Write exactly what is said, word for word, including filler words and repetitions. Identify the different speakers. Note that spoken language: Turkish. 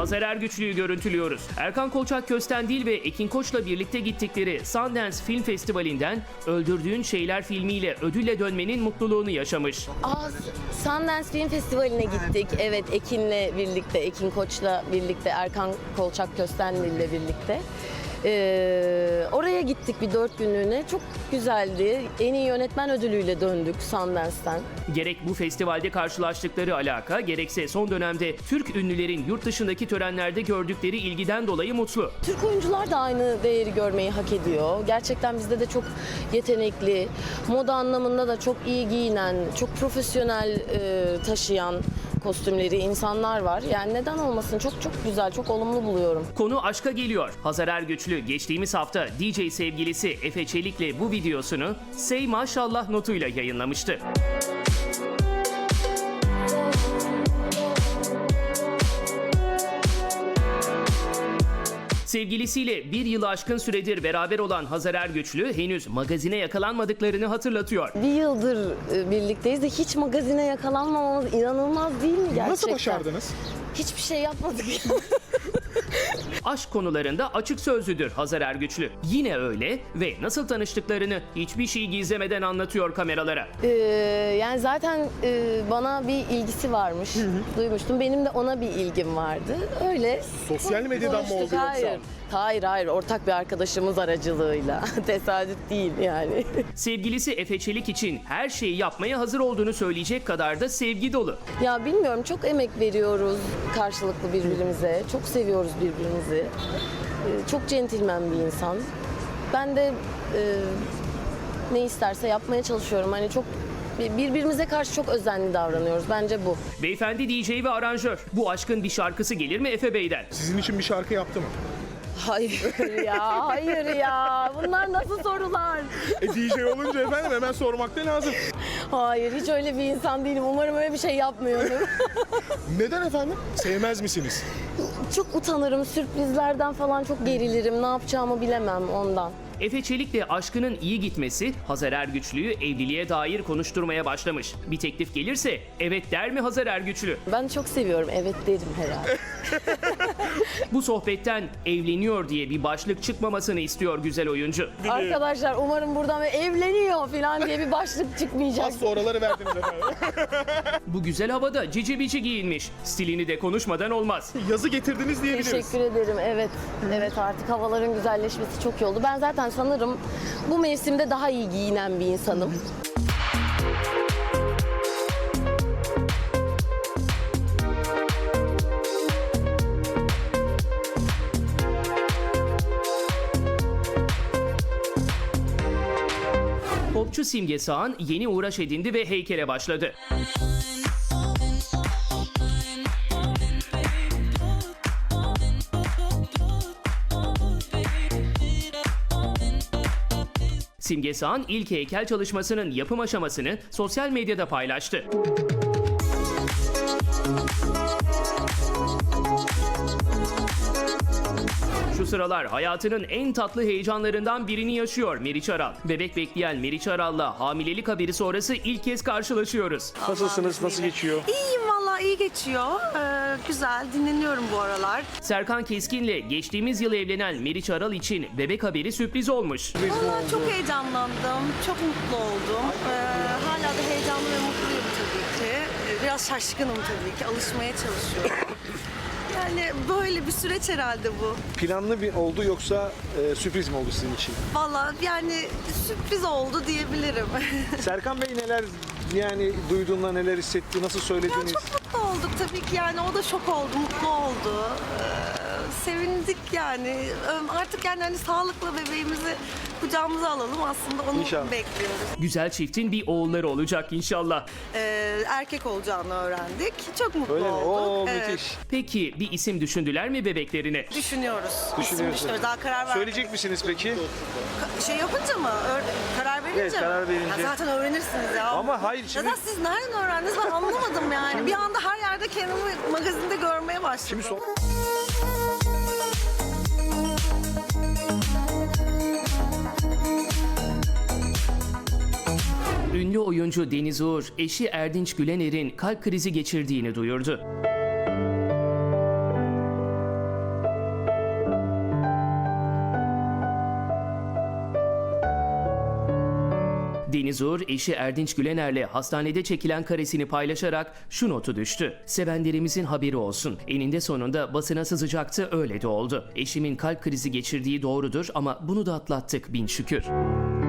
Speaker 1: Hazar Ergüçlü'yü görüntülüyoruz. Erkan Kolçak Köstendil ve Ekin Koç'la birlikte gittikleri Sundance Film Festivali'nden Öldürdüğün Şeyler filmiyle ödülle dönmenin mutluluğunu yaşamış.
Speaker 2: Aa, Sundance Film Festivali'ne gittik. Evet, Ekin'le birlikte, Ekin Koç'la birlikte, Erkan Kolçak Köstendil'le birlikte. Ee, oraya gittik bir dört günlüğüne. Çok güzeldi. En iyi yönetmen ödülüyle döndük Sundance'ten.
Speaker 1: Gerek bu festivalde karşılaştıkları alaka, gerekse son dönemde Türk ünlülerin yurt dışındaki törenlerde gördükleri ilgiden dolayı mutlu.
Speaker 2: Türk oyuncular da aynı değeri görmeyi hak ediyor. Gerçekten bizde de çok yetenekli, moda anlamında da çok iyi giyinen, çok profesyonel e, taşıyan kostümleri insanlar var. Yani neden olmasın? Çok çok güzel, çok olumlu buluyorum.
Speaker 1: Konu aşka geliyor. Hazar Ergüçlü geçtiğimiz hafta D J sevgilisi Efe Çelik'le bu videosunu "Say Maşallah" notuyla yayınlamıştı. Sevgilisiyle bir yılı aşkın süredir beraber olan Hazar Ergüçlü henüz magazine yakalanmadıklarını hatırlatıyor.
Speaker 2: Bir yıldır e, birlikteyiz de hiç magazine yakalanmamamız inanılmaz değil mi gerçekten?
Speaker 3: Nasıl başardınız?
Speaker 2: Hiçbir şey yapmadık.
Speaker 1: Aşk konularında açık sözlüdür Hazar Ergüçlü. Yine öyle ve nasıl tanıştıklarını hiçbir şey gizlemeden anlatıyor kameralara.
Speaker 2: Ee, yani zaten e, bana bir ilgisi varmış. Hı hı. Duymuştum. Benim de ona bir ilgim vardı. Öyle.
Speaker 3: Sosyal medyadan mı oldu yoksa?
Speaker 2: Hayır. Hayır hayır ortak bir arkadaşımız aracılığıyla. Tesadüf değil yani.
Speaker 1: Sevgilisi Efe Çelik için her şeyi yapmaya hazır olduğunu söyleyecek kadar da sevgi dolu.
Speaker 2: Ya bilmiyorum, çok emek veriyoruz karşılıklı birbirimize. Çok seviyoruz birbirimizi. Ee, çok centilmen bir insan. Ben de e, ne isterse yapmaya çalışıyorum. Hani çok birbirimize karşı çok özenli davranıyoruz. Bence bu.
Speaker 1: Beyefendi D J ve aranjör. Bu aşkın bir şarkısı gelir mi Efe Bey'den?
Speaker 3: Sizin için bir şarkı yaptı mı?
Speaker 2: Hayır ya, hayır ya. Bunlar nasıl sorular?
Speaker 3: E D J olunca efendim hemen sormak da lazım.
Speaker 2: Hayır, hiç öyle bir insan değilim. Umarım öyle bir şey yapmıyorum.
Speaker 3: Neden efendim? Sevmez misiniz?
Speaker 2: Çok utanırım. Sürprizlerden falan çok gerilirim. Ne yapacağımı bilemem ondan.
Speaker 1: Efe Çelik'le aşkının iyi gitmesi Hazar Ergüçlü'yü evliliğe dair konuşturmaya başlamış. Bir teklif gelirse evet der mi Hazar Ergüçlü?
Speaker 2: Ben çok seviyorum. Evet derim herhalde.
Speaker 1: Bu sohbetten evleniyor diye bir başlık çıkmamasını istiyor güzel oyuncu.
Speaker 2: Arkadaşlar umarım buradan evleniyor falan diye bir başlık çıkmayacak.
Speaker 3: Az sonraları verdiniz efendim.
Speaker 1: Bu güzel havada cici bici giyinmiş. Stilini de konuşmadan olmaz.
Speaker 3: Yazı getirdiniz diyebiliriz.
Speaker 2: Teşekkür ederim. Evet. Evet, artık havaların güzelleşmesi çok iyi oldu. Ben zaten sanırım bu mevsimde daha iyi giyinen bir insanım.
Speaker 1: Popçu Simge Sağan yeni uğraş edindi ve heykele başladı. Simge Sağan ilk heykel çalışmasının yapım aşamasını sosyal medyada paylaştı. Şu sıralar hayatının en tatlı heyecanlarından birini yaşıyor Meriç Aral. Bebek bekleyen Meriç Aral'la hamilelik haberi sonrası ilk kez karşılaşıyoruz.
Speaker 3: Nasılsınız? Nasıl geçiyor?
Speaker 4: İyiyim valla, iyi geçiyor. Ee, güzel, dinleniyorum bu aralar.
Speaker 1: Serkan Keskin'le geçtiğimiz yıl evlenen Meriç Aral için bebek haberi sürpriz olmuş.
Speaker 4: Valla çok heyecanlandım, çok mutlu oldum. Ee, hala da heyecanlı ve mutluyum tabii ki. Ee, Biraz şaşkınım tabii ki, alışmaya çalışıyorum. Yani böyle bir süreç herhalde bu.
Speaker 5: Planlı bir oldu yoksa e, sürpriz mi oldu sizin için?
Speaker 4: Valla yani sürpriz oldu diyebilirim.
Speaker 5: Serkan Bey neler yani duyduğunda neler hissetti, nasıl söylediniz?
Speaker 4: Çok mutlu olduk tabii ki, yani o da şok oldu, mutlu oldu. Ee, sevindik yani. Ee, Artık yani hani sağlıklı bebeğimizi kucağımıza alalım, aslında onu
Speaker 5: İnşallah.
Speaker 4: bekliyoruz.
Speaker 1: Güzel çiftin bir oğulları olacak inşallah.
Speaker 4: Ee, erkek olacağını öğrendik. Çok mutlu
Speaker 5: Öyle mi?
Speaker 4: olduk.
Speaker 5: Oo
Speaker 4: Evet.
Speaker 5: müthiş.
Speaker 1: Peki bir isim düşündüler mi bebeklerine?
Speaker 4: Düşünüyoruz. İsim
Speaker 5: Düşünüyorsunuz.
Speaker 4: düşünüyoruz. Daha karar vermedik.
Speaker 5: Söyleyecek misiniz peki?
Speaker 4: Ka- Şey yapınca mı? Öğ- karar verince
Speaker 5: Evet,
Speaker 4: mi?
Speaker 5: karar verince.
Speaker 4: Ya zaten öğrenirsiniz ya.
Speaker 5: Ama hayır, şimdi-
Speaker 4: Zaten siz nereden öğrendiniz, ben anlamadım yani. Bir anda her yerde kendimi magazinde görmeye başladım.
Speaker 5: Şimdi son...
Speaker 1: Ünlü oyuncu Deniz Uğur, eşi Erdinç Gülener'in kalp krizi geçirdiğini duyurdu. Deniz Uğur, eşi Erdinç Gülener'le hastanede çekilen karesini paylaşarak şu notu düştü. Sevenlerimizin haberi olsun. Eninde sonunda basına sızacaktı, öyle de oldu. Eşimin kalp krizi geçirdiği doğrudur ama bunu da atlattık bin şükür.